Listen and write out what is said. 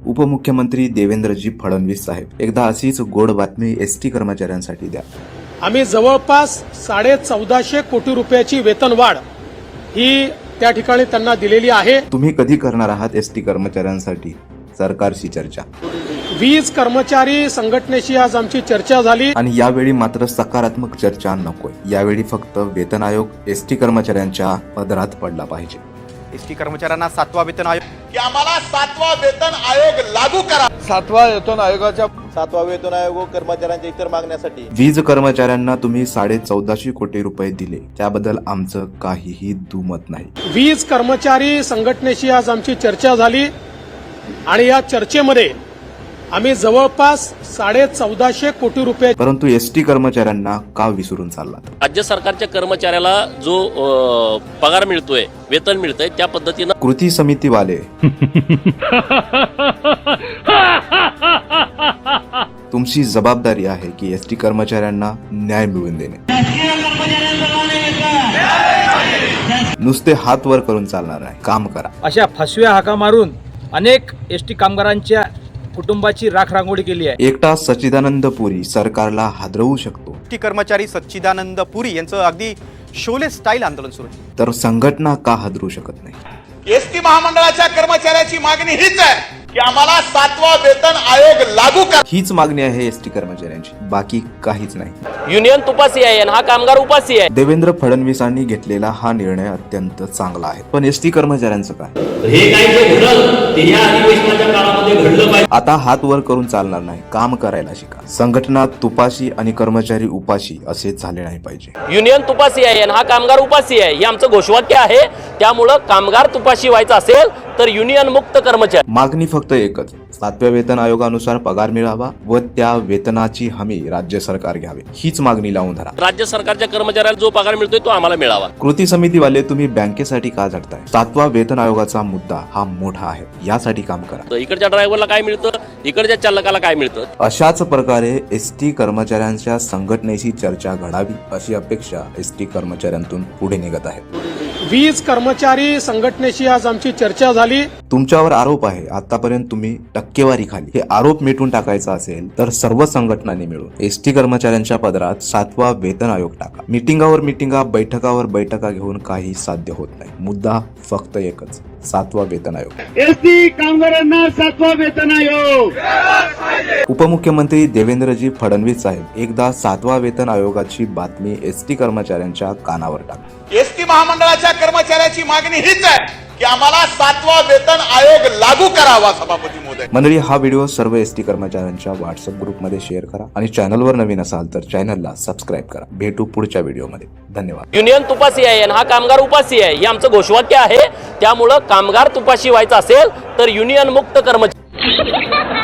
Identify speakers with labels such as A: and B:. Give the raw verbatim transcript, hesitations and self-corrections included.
A: उपमुख्यमंत्री देवेंद्रजी फडणवीस साहेब, एकदा अशीच गोड बातमी एसटी कर्मचाऱ्यांसाठी द्या।
B: आम्ही जवळपास साडे चौदाशे कोटी रुपयाची वेतनवाढ ही त्या ठिकाणी त्यांना दिलेली आहे।
A: तुम्ही कधी करणार आहात एसटी कर्मचाऱ्यांसाठी सरकारशी चर्चा?
B: वीज कर्मचारी संघटनेशी आज आमची चर्चा झाली
A: आणि यावेळी मात्र सकारात्मक चर्चा नकोय। यावेळी फक्त वेतन आयोग एसटी कर्मचाऱ्यांच्या पदरात पडला पाहिजे।
C: एसटी कर्मचाऱ्यांना सातवा वेतन आयोग
D: की आम्हाला सातवा वेतन आयोग लागू करा।
E: सातवा वेतन आयोगाच्या
D: सातवा वेतन आयोग कर्मचाऱ्यांच्या इतर मागण्यासाठी
A: वीज कर्मचाऱ्यांना तुम्ही साडे चौदाशे कोटी रुपये दिले, त्याबद्दल आमचं काहीही दुमत नाही।
B: वीज कर्मचारी संघटनेशी आज आमची चर्चा झाली आणि या चर्चेमध्ये आम्ही जवळपास साडे चौदाशे कोटी रुपये
A: परंतु एसटी कर्मचाऱ्यांना का विसरून चाललात?
F: राज्य सरकारच्या कर्मचाऱ्याला जो अ, पगार मिळतोय, वेतन मिळतंय, त्या पद्धतीनं
A: कृती समितीवाले तुमची जबाबदारी आहे की एसटी कर्मचाऱ्यांना न्याय मिळवून देणे। नुसते हात वर करून चालणार नाही, काम करा।
G: अशा फसव्या हाका मारून अनेक एसटी कामगारांच्या कुटुंबाची राखरांगोळी केली आहे।
A: एकटा सच्चिदानंद पुरी सरकारला हादरवू शकतो,
C: एसटी कर्मचारी सच्चिदानंद पुरी यांचं अगदी शोले स्टाईल आंदोलन सुरू आहे।
A: तर संघटना का हादरू शकत नाही?
D: एसटी महामंडळाच्या कर्मचाऱ्याची मागणी हीच आहे की आम्हाला सातवा वेतन आयोग लागू करा।
A: हीच मागणी आहे एसटी कर्मचाऱ्यांची, बाकी काहीच नाही।
F: युनियन तुपासी आहे आणि हा कामगार उपासी आहे।
A: देवेंद्र फडणवीसांनी घेतलेला हा निर्णय अत्यंत चांगला आहे, पण एसटी कर्मचाऱ्यांचं काय?
H: हे काही जे घडलं ते या अधिवेशनाच्या काळामध्ये घडलं पाहिजे।
A: आता हात वर करून चालणार नाही, काम करायला शिका। संघटना तुपाशी आणि कर्मचारी उपाशी असे झाले नाही पाहिजे।
F: युनियन तुपासी आहे आणि हा कामगार उपासी आहे, हे आमचं घोषवाक्य आहे। त्यामुळं कामगार तुपाशी व्हायचं असेल तर युनियन मुक्त कर्मचारी।
A: मागणी फक्त एकच, सातव्या वेतन आयोगानुसार पगार मिळावा व त्या वेतनाची हमी राज्य सरकार घ्यावे, हीच मागणी लावून धरा।
F: राज्य सरकारच्या कर्मचाऱ्याला जो पगार मिळतोय तो आम्हाला मिळावा।
A: कृती समितीवाले तुम्ही बँकेसाठी का झटताय? सातवा वेतन आयोगाचा मुद्दा हा मोठा आहे, यासाठी काम करा।
F: इकडच्या ड्रायव्हरला काय मिळतं, इकडच्या चालकाला काय मिळतं।
A: अशाच प्रकारे एसटी कर्मचाऱ्यांच्या संघटनेशी चर्चा घडावी अशी अपेक्षा एसटी कर्मचाऱ्यांतून पुढे निघत आहे।
B: वीज कर्मचारी संघटनेशी आज आमची चर्चा झाली।
A: तुमच्यावर आरोप आहे, आतापर्यंत तुम्ही टक्केवारी खाली, हे आरोप मिटून टाकायचा असेल तर सर्व संघटनांनी मिळून एसटी कर्मचाऱ्यांच्या पदरात सातवा वेतन आयोग टाका। मिटिंगावर मिटिंगा, बैठकावर बैठका घेऊन काही साध्य होत नाही। मुद्दा फक्त एकच, सातवा वेतन आयोग।
E: एसटी कामगारांना सातवा वेतन आयोग।
A: उपमुख्यमंत्री देवेंद्रजी फडणवीस साहेब, एकदा सातवा वेतन आयोगाची बातमी एसटी कर्मचाऱ्यांच्या कानावर टाका।
D: एसटी महामंडळाच्या कर्मचाऱ्याची मागणी हीच आहे की आम्हाला सातवा वेतन आयोग लागू करावा। सभापती महोदय,
A: मंडळी, हा व्हिडिओ सर्व एसटी कर्मचाऱ्यांच्या व्हॉट्सअप ग्रुपमध्ये शेअर करा आणि चॅनलवर नवीन असाल तर चॅनलला सबस्क्राईब करा। भेटू पुढच्या व्हिडिओमध्ये, धन्यवाद।
F: युनियन तुपासी आहे आणि हा कामगार उपासी आहे, हे आमचं घोषवाक्य आहे। त्यामुळं कामगार तुपाशी व्हायचं असेल तर युनियन मुक्त कर्मचारी